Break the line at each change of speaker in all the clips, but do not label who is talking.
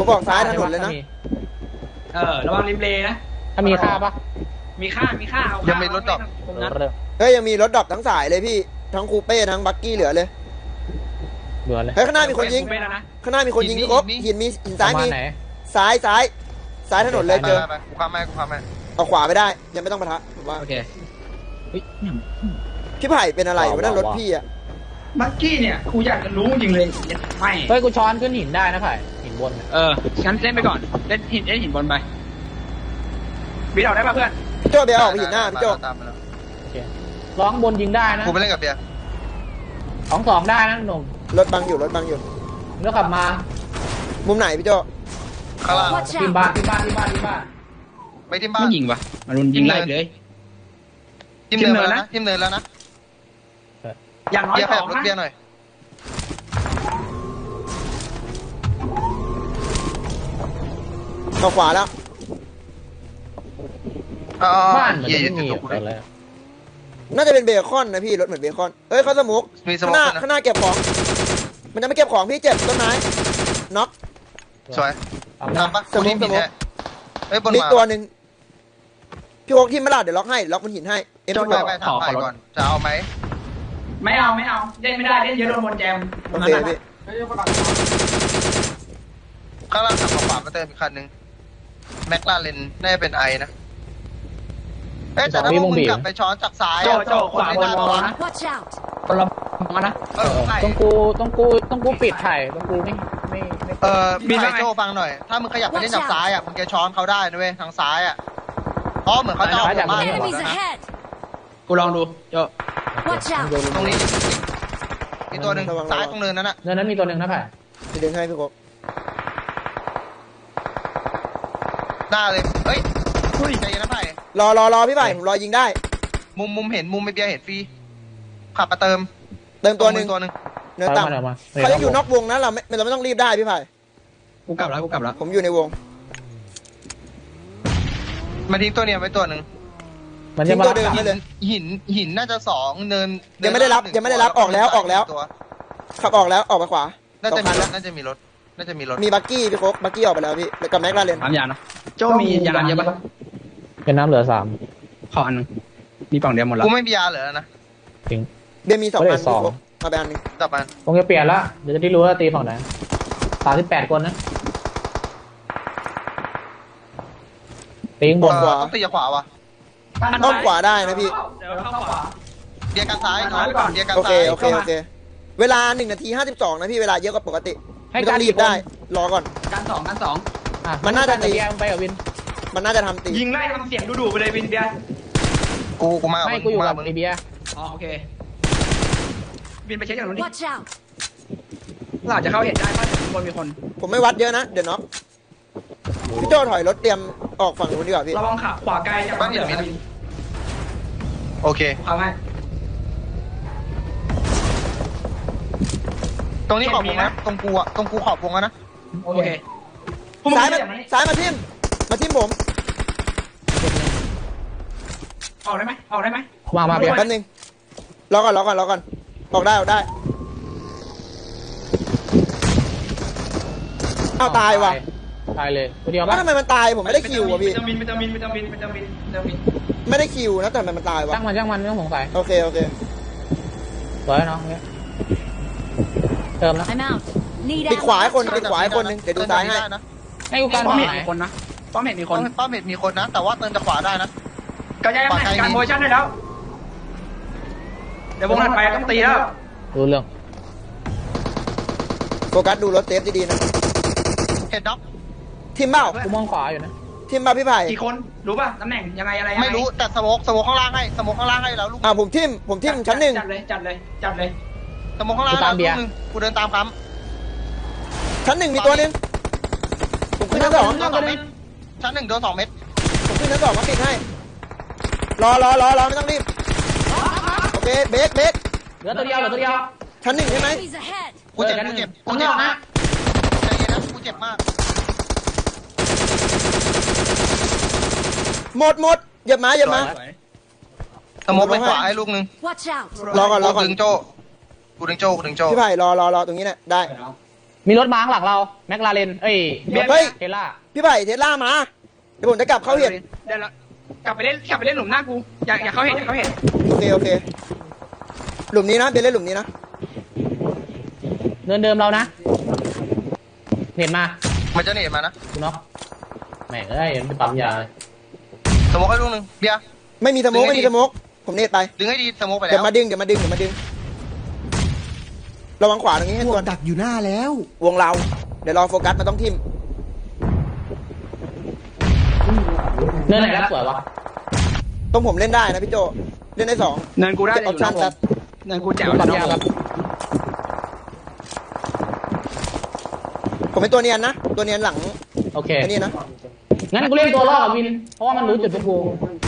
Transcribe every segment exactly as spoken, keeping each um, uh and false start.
ผมบอกซ้ายถนนเลยนะ
เออระวังริมเลนะ
ถ้ามีค่าปะ
มีค่ามีค่าเอา
ยังมีรถดอก
เฮ้ยยังมีรถดอกทั้งสายเลยพี่ทั้งคูเป้ทั้งบักกี้เหลือเลย
เหลือเลย
เฮ้ยข้างหน้ามีคนยิงข้างหน้ามีคนยิงพี่ครบหินมีหินซ้ายมีซ้ายซ้ายซ้ายถนนเลยเจอ
กูข้ามไม่กูข้ามไม่
เอาขวาไม่ได้ยังไม่ต้องปะทะผมว่า
โอเค
พี่ไผ่เป็นอะไรวะนั่นรถพี่อะ
บักกี้เนี่ยกูอยากจะรู้จริงเลยไม่
เฮ้ยกูช้อนขึ้นหินได้นะไผ่หินบน
เอองั้นเล่นไปก่อนเล่นหินเล่นหินบนไปบีออกได้ป่ะเพื่อน
พี่โจ้เบียร์ออกไปหินหน้าพี่โจ้
โอเคร้องบนยิงได้นะ
กูไปเล่นกับเบียร์
สองสองได้นะหนุ่ม
รถบังอยู่รถบังอยู่
แล้วขับมา
มุมไหนพี่โจ้
ข้างล่าง
ทีมบ้านทีมบ้านทีมบ้านทีมบ้าน
ไม่ทีมบ้าน
ไม่ยิงปะมารุนยิงไล่เลย
ทีมเนินแล้วนะทีมเนินแล้วนะ
อย่างน้อยสอง
นะเบียร์หน่อย
เข้าขวาแล้ว
บ้านมันจะมีอะไร
น่าจะเป็นเบคอนนะพี่รถเหมือนเบคอนเอ้ยเขาสมุกข้างหน้าข้างหน้าเก็บของมันจะไม่เก็บของพี่เจ็บต้นไม้น็อก
สวยทำปะ
สมุกสมุก
เอ้ยบน
มีตัวหนึ่งพี่โอ๊กที่มาลาดเดี๋ยวล็อกให้ล็อกบนหินให้
เอ็มจะไปถามไปก่อนจะเอาไหม
ไม่เอาไม่เอาเล่นไม่ได้เล่นเยอะโดนบนแจม
โอเคพี่
ข้างล่างขับขวามาเติมอีกคันหนึ่งแม็กลาเรนน่าจะเป็นไอนะเอ๊ะแต่ถ้ามึงกลับไปช้อนจากซ้าย
โจโจขวาบนวอลนะคนละมานะ
ต้องกูต้องกูต้องกูปิดไถ่ต้องกูไม่ไม่ไม่
เออมีไอโจฟังหน่อยถ้ามึงขยับไปเล่นจากซ้ายอ่ะมึงจะช้อนเขาได้นะเว้ยทางซ้ายอ่ะเพราะเหมือนเขาจะเอาผมมา
กูลองดูโจ
ตรงนี้มีตัวหนึ่งซ้ายตรงเนินนั้นอ่ะ
เนินนั้นมีตัวหนึ่งนะไผ่
จะดึงให้พี่โก๊ก
หน้าเลยเฮ้ยใจเย็นนะไผ่
รอรอรอพี่ไผ่ผมรอยิงได้
มุมมุมเห็นมุมไม่เบียเห็นฟรีขับมาเติม
เติมตัวหนึ่ง
ตัวหนึ่ง
เนื้อต่ำเขาจะอยู่นอกวงนะเราไม่เราไม่ต้องรีบได้พี่ไผ่
กูกลับแล้วกูกลับแล้ว
ผมอยู่ในวง
มาทิ้งตัวเนี้ยไว้ตัวหนึ่ง
มันจะมาตัวเดิมเลย
หินหินน่าจะสองเนิน
ยังไม่ได้รับยังไม่ได้รับออกแล้วออกแล้วขับออกแล้วออกไปขวา
น่าจะมีรถน่าจะมีรถน่าจะมีรถ
มีบักกี้พี่โค้กบักกี้ออกไปแล้วพี่กับแม็กลาเรน
สามยานนะโจมียานเยอะปะ
เป็นน้ำเหลือสาม
ขออันนึงมีฝั่งเดียวหมดแล้ว
กูไม่มียาเหลือนะ
จริง
เบียมีสองอันพี่โค้กเอาไปอันนึง
จับมัน
คงจะเปลี่ยนละเดี๋ยวจะได้รู้ว่าตีฝั่งไหนสามสิบแปดคนนะตีบน
ขวาต้องตีขวาวะ
อ้อมขวาได้นะพี่
เบียร์กันซ้ายเบียร์กัน
ซ้ายโอเค
โ
อเคโอเคเวลาหนึ่งนาทีห้าสิบสองนะพี่เวลาเยอะกว่าปกติไม่ต้องรีบได้รอก่อน
การสองการสอง
มันน่าจะตี
ไปกับวิน
มันน่าจะทำตี
ยิงไล่ทำเสียงดุๆไปเลยวินเบียร์
กูกูมา
ไม่กูอยู่กับไอเบียร์
อ๋อโอเควินไปเช็คอย่างนู้นดิเราอาจจะเข้าเห็นได้ว่าจะมีคนมีคน
ผมไม่วัดเยอะนะเดี๋ยวน็อกพี่โจ้ถอยรถเตรียมออกฝั่งนู้นดีกว่าพี่
ระวังขาขวาไกลจากบ้านเหนือวิน
โอเค
เอาไหม
ตรงนี้ขอบวงนะตรงกูอะตรงกูขอบวงนะ
โอเค
ซ้ายมาซ้ายมาทิ่มมาทิ่มผม
ออกได้ไหมออกได้ไหม
มามาเบียร์
แป๊บนึงรอก่อนรอก่อนรอก่อนออกได้ออกได้เอาตายว่ะ
ตายเลยตัวเดียว
ป่ะทำไมมันตายผมไม่ได้คิวอ่ะพี่
วิตามินวิตามินวิตามินวิตามินวิตามิน
ไม่ได้คิวนะแต่มันตายวะ
จ้างมันจ้างมันไม่ต้องสงสัย
โอเคโอเค
สวยเนาะเติมนะ
ปิดขวาให้คนปิดขวาให้คนนึงเดี๋ยวดูซ้ายให้
ให้กูการ
ป้อมเห็นมีคนนะป้อมเห็นมีคน
ป้อมเห็นมีคนนะแต่ว่าเติมจากขวาได้นะ
ก็ย้ายมาการโพชั่นได้แล้วเดี๋ยววงถัดไปต้องตีแล้ว
ดูเรื่อง
โฟกัสดูรถเซฟดีๆนะ
เห็นด็อก
ทีมเบ้า
กูมองขวาอยู่นะ
ทีมเบ้าพี่ไผ่
กี่คนรู้ป่ะตำแหน่งยังไงอะไร
ไม่รู้แต่สโมกสโมกข้างล่างให้สโมกข้างล่างให้แล้วลูก
อ่าผมทีมผมทีมชั้นหนึ่ง
จัดเลยจัดเลยจัดเลย
สโมกข้างล่างแล้วลูกนึงกูเดินตามคำ
ชั้นหนึ่งมีตัวนึงผมขึ้นชั้นสอง
ชั้นหนึ่งโดนสองเม็ด
ผมขึ้นชั้นสองมาปิดให้รอรอรอรอไม่ต้องรีบโอเคเบรกเบรก
เหลือตัวเดียวเหลือตัวเดียว
ชั้นหนึ่งใช่ไหม
กูเจ็บกูเจ็บกูเจ็บนะใจเย็นนะกูเจ็บมาก
หมดหมดเหยียบมาเหยียบมา
สโมกไปขวาให้ลูกนึง
รอก่อนรอก่อน
ดึงโจกูดึงโจกูดึงโจ
พี่ไผ่รอรอรอตรงนี้เนี่ยได้
มีรถม้าข้างหลังเราแม็กลาเรนเอ้ย
เฮ้ย
เทล่า
พี่ไผ่เทสลามาเดี๋ยวผมจะกลับเข้าเห็ด
เดี๋ยวเรากลับไปเล่นกลับไปเล่นหลุมหน้ากูอย่าอย่าเขาเห็นอย่าเขาเห็น
โอเคโอเคหลุมนี้นะเป็นเล่นหลุมนี้นะ
เดินเดิมเรานะเห็นมา
มันจะเนตมานะ
คุณน็อกแม่งเอ้ยมันจะปั๊มยา
สโมกให้ลูกหนึ่งเบียร์
ไม่มีสโมกไม่มีสโมกผมเนตไป
ดึงให้ดีสโมกไป
เดี๋
แล้
ยว วมาดึงเดี๋ยวมาดึงเดี๋ยวมาดึงระวังขวาตรงนี้ให้
พ
ตัว ว
ดักอยู่หน้าแล้ว
วงเราเดี๋ยวรอโฟกัสมันต้องทิม
เนินไหนรับสวยวะ
ต้องผมเล่นได้นะพี่โจเล่นได้สอง
เนินกูได้
เก็บออปชั่นแป๊บ
เนินกูแจ๋ว
ปั๊ม
เลย
ยา
น้อง
ครับ
ผมเป็นตัวเนียนนะตัวเนียนหลัง
โอเค
ไอ้นี่นะ
งั้นกูเล่นตัวล่อกับวินเพราะว่ามันรู้จุดพวกกู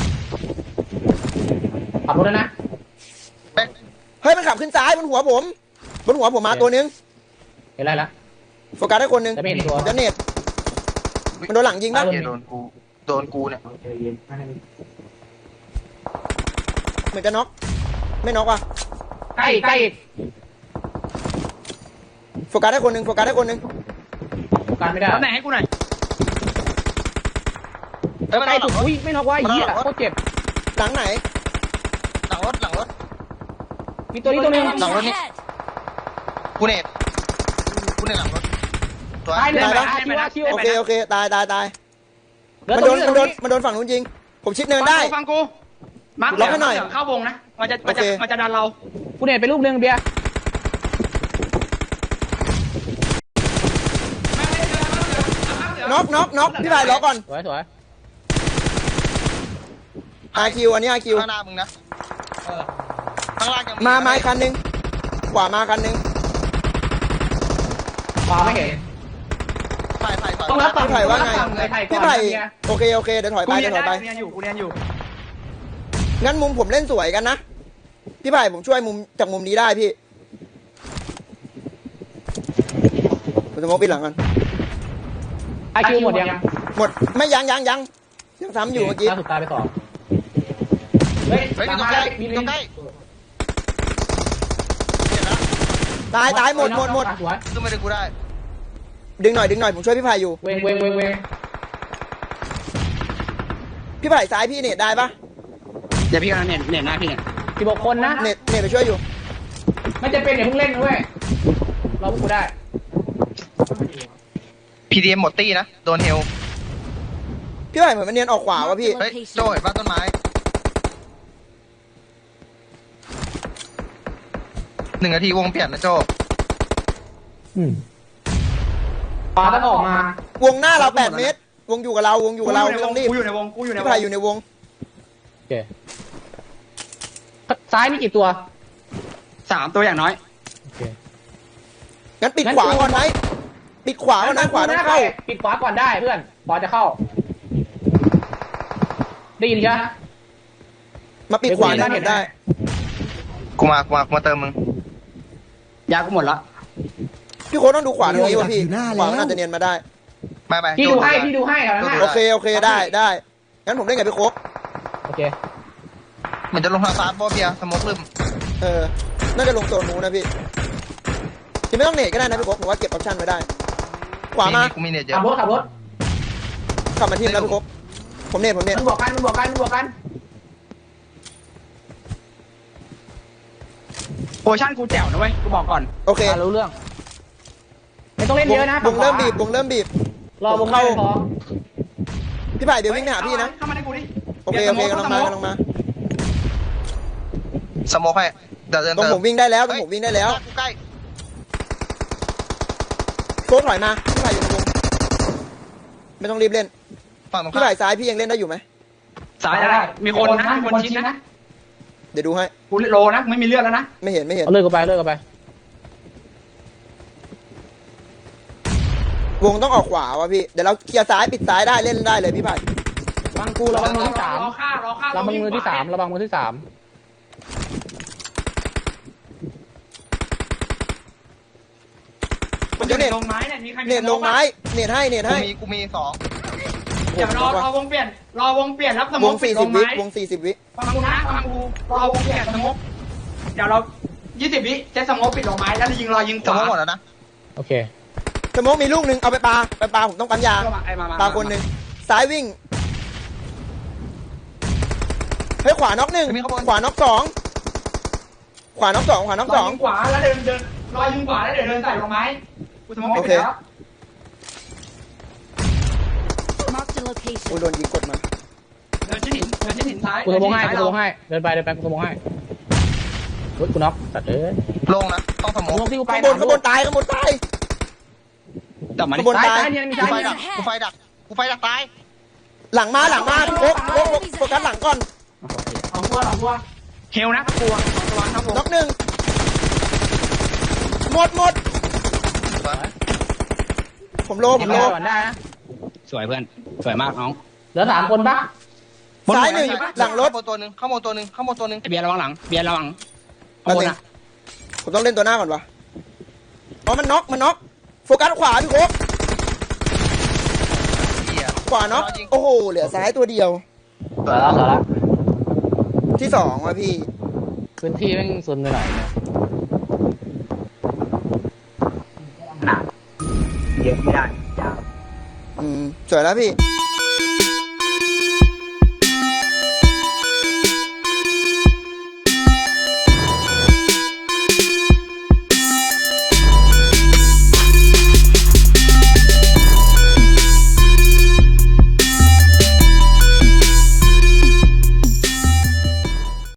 ขับรถแล้วนะ
เป๊ก
เฮ้ยมันขับขึ้นซ้ายบนหัวผมบนหัวผมมาตัวนึง
เห็นไรละ
โฟกัสได้คนนึง
แต่ไม่เห็นตัว
จะเนตมันโดนหลังยิงปะ
เหี้ยโดนกูโดนกูเนี่ย
เหมือนจะน็อกไม่น็อกว่ะ
ใกล้อีกใกล้อีก
โฟกัสได้คนนึงโฟกัสได้คนนึง
การไม่ได้
ตำแหน่งให้กูหน่อย
เฮ้ยมัน
ใกล้
เอาห
สุ
ลั
ด
งรถ
อุ้ยไม่น็อกว่าไอ้เหี้ยโคตรเจ็บ
หลังไหน
หลังรถหลังรถ
มีตัวนี้ตัวนึง
หลังรถนี่กูเนตกูเนตหลังรถตัว
ตายเลย
ตาย
นะ
ปะ
คิวว่าคิว
โอเคโอเคตายตายตาย
เหลือ
มัน
ตั
โด
วน นี้
มัน
ตั
โด
วน นี้
มันโดนฝั่งนู้นยิงผมชิดเนินได้
ฟังกูมาร์ค
ล็อกให้หน่อย
เข้าวงนะมันจะมันจะ
โอเค
มันจะดันเรา
กูเน็ตไปลูกนึงเบียร์
น็อกน็อกน็อกพี่ไผ่รอก่อน
สวยสวย
อาคิวอันนี้อาคิว
ข้างหน้ามึงนะข้างล่างยัง
มาไม้คันหนึงขวามาคันหนึง
ขวาไม่เห็น
ไผ่ไผ่ถอย
ต้องรับฝั่ง
พี่ไผ่ว่าไง
ต้องรับฝั่งเลยไผ่ก่อน
พี่ไผ่
เบียร์
โอเคโอเคเดี๋ยวถอย
กู
ไป
เรี
เดี๋
ย
ย วถอยไป
นได้กูเรียนอยู่กูเรียนอยู่
งั้นมุมผมเล่นสวยกันนะพี่ไผ่ผมช่วยมุมจากมุมนี้ได้พี่ผมจะมองปิดหลังกัน
ไอคิวหมดยัง
หมดไม่ยังยังยังยังซ้ำอยู่เมื่อกี้
ล่าสุดตายไปสองเฮ้ย
เฮ้ย
ตา
มี
ม
ตรง
มา
ใกล้
มี
มี
ลิ
ตรง งใกล้เห็นแล้ว
ตายตายหมดหมดหมด
สวย
ขึ้นมาดึงกูได้
ดึงหน่อยดึงหน่อยผมช่วยพี่ไผ่อยู่
เวงเวงเวงเวง
พี่ไผ่ซ้ายพี่เน็ตได้ปะ
เดี๋ยวพี่กำลังเน็ตเน็ตหน้าพี่เนี่ย
สิบหกคนนะ
เน็ตเน็ตไปช่วยอยู่
ไม่จะเป็นอย่าเพิ่งเล่นนะเว้ยรอพวกกูได้
พีดีเอ็มหมดตี้นะโดนเฮล
พี่ไผ่เหมือนมันเนียนออกขวาวะพี่
เฮ้ยโจ้เห็นป่ะต้นไม้หนึ่งนาทีวงเปลี่ยนนะโจ้
ปลาต้องออกมา
วงหน้าเราแปดเมตร วงอยู่กับเราวงอยู่กับเราไม่ต้องรีบ
กูอยู่ในวงกูอยู่ในว
พี่
ง
ไผ่อยู่ในวง
โอเคซ้ายมีกี่ตัว
สามตัวอย่างน้อย
โอเค
งั้นปิดขวาก่อนไหมปิดขวาก่อนนะขวาต้องเข้า
ปิดขวาก่อนได้เพื่อนขวาจะเข้า ได้ยินใช่ไหม
มาปิดขวาได้เห็นได้
กูมากูมากูมาเติมมึง
ยากูหมดละ
พี่โค้ดต้องดูขวาตรงนี้วะพี่
อยู่หน้า
ขวา
แล้ว
มันน่าจะเนียนมาได้
ไม่ไม่
พี่
โจ้
ดูให้พี่ดูให้แถวนั้น
โอ
น่ะ
เคโอเคได้ได้งั้นผมเล่นกับพี่โค้ก
โอเค
เหมือนจะลงทางซ้ายบอเบียร์สโมกลืม
เออน่าจะลงโซนนู้นนะพี่จะไม่ต้องเน็ตก็ได้นะพี่โค้กผมว่าเก็บออปชั่นไว้ได้ ขวามา
กูมีเน็ตเย
ขั
อะ
บรถขับรถ
ขับมาทีมแล้วพี่โค้กผมเน็ตผมเน็ต
มันบวกกันมันบวกกันมันบวกกัน
โพชั่นกูแจ๋วนะเว้ยกูบอกก่อน
โอเค
อ่ะรู้เรื่อง ไม่ต้องเล่นเยอะนะ
วงเริ่มบีบวงเริ่มบีบ
รอวงเข้าพอ
พี่ไผ่เดี๋ยววิ่งไปหาพี่นะ
เข้ามาในกูดิ
โอเคโอเคกำลังมากำลังมา
สโมกให้เดี๋ยวเดิน
ตรง
เติม
ผมวิ่งได้แล้วตรงผมวิ่งได้แล้ว
กูใกล้
โค้กถอยมาพี่ไผ่อยู่ในวงไม่ต้องรีบเล่น
ฝั่งตรง
พี่
ข้าม
ไผ่ซ้ายพี่ยังเล่นได้อยู่ไหม
สายได้มีคนนะมีคนชิดนะ
เดี๋ยวดูให้
กูโลนะไม่มีเลือดแล้วนะ
ไม่เห็นไม่เห็น
เอาเลิกกันไปเลิกกันไป
วงต้องออกขวาวะพี่เดี๋ยวเราเคลียร์ซ้ายปิดซ้ายได้เล่นได้เลยพี่ไผ่
บังกูระวังมือที่สาม
รอฆ่ารอฆ่า
ระวังมือที่สามระวังมือที่สาม
มันจะเน็ตลงไม้เนี่ยมีใคร
เน็ตลงไม้เน็ตให้เน็ต
กู
ให้
มีกูมีสอง
เดี๋ยวรอรอวงเปลี่ยนรอวงเปลี่ยนรับสม
ว
อง
งสี่
ล
สิบ
ง
วิ
ไม้
วงสี่สิบวิ
ฟังกูนะฟังกูรอวงเปลี่ยนสมองเดี๋ยวเรายี่สิบวิเซตสมองปิดลงไม้แล้วยิงรอยิง
ส
ขวา
โมกหมดแล้วนะ
โอเค
สโมกมีลูกหนึ่งเอาไปปาไปปาผมต้องปั๊มยา
ก็มาไอ้มามา
ปาคนหนึ่งซ้ายวิ่งเฮ้ยขวาน็อกหนึ่งขวาน็อกสองขวาน็อกสองขวาน็อกสอง
ขวาแล้วเดินเดินรอยิงขวาแล้วเดี๋ยวเดินใส่ลงไม้กูสมมติไม่เป็นแล้ว
Marked a
โอ้
location.
โดนยิงกดมา
เดินชิ้นหินเดินชิ้นหินซ้าย
กูสมองให้กูสมองให้เดินไปเดินไปกูสมองให้เฮ้ยกูน็อกตัดเลย
ลงนะต้องสม
กู
อง
น็อกที่กูไป
ข้างบนข้างบนตายข้างบนตาย
จับมัน
ข้างบน
ซ้าย
ตาย
ซ้ายเนี่ยมี
กู
ซ้าย
ไฟ
เนี่ย
ดักกูไฟดักกูไฟดักตาย
หลังมาหลังมาโอ๊กโอ๊กโอ๊กโฟกัสหลังก่อน
สองตัวสองตัวเฮลนะกลัวสองตัวครับผม
น็อกหนึ่งหมดหมดผมโลผมโล
ก่อนได้นะ
สวยเพื่อนสวยมากน้อง
เหลือสามคนปะ
ซ้ายหนึ่งหลังรถ
ข้างบนตัวหนึ่งข้างบนตัวหนึ่งข้างบนตัวหนึ่ง
เบียร์ระวังหลังเบียร์ระวัง
แป๊บนึงผมต้องเล่นตัวหน้าก่อนวะอ๋อมันน็อกมันน็อกโฟกัสขวาพี่โอ๊ก
เหี้ย
ขวาน็อกโอ้โหเหลือซ้ายตัวเดียว
เหลือแล้วเหลือแล้ว
ที่สองว่ะพี่
พื้นที่แม่งซุนไปหน่อยเนี่ย
หนาเยอะไม่ได้
อืมสวยแล้วพี่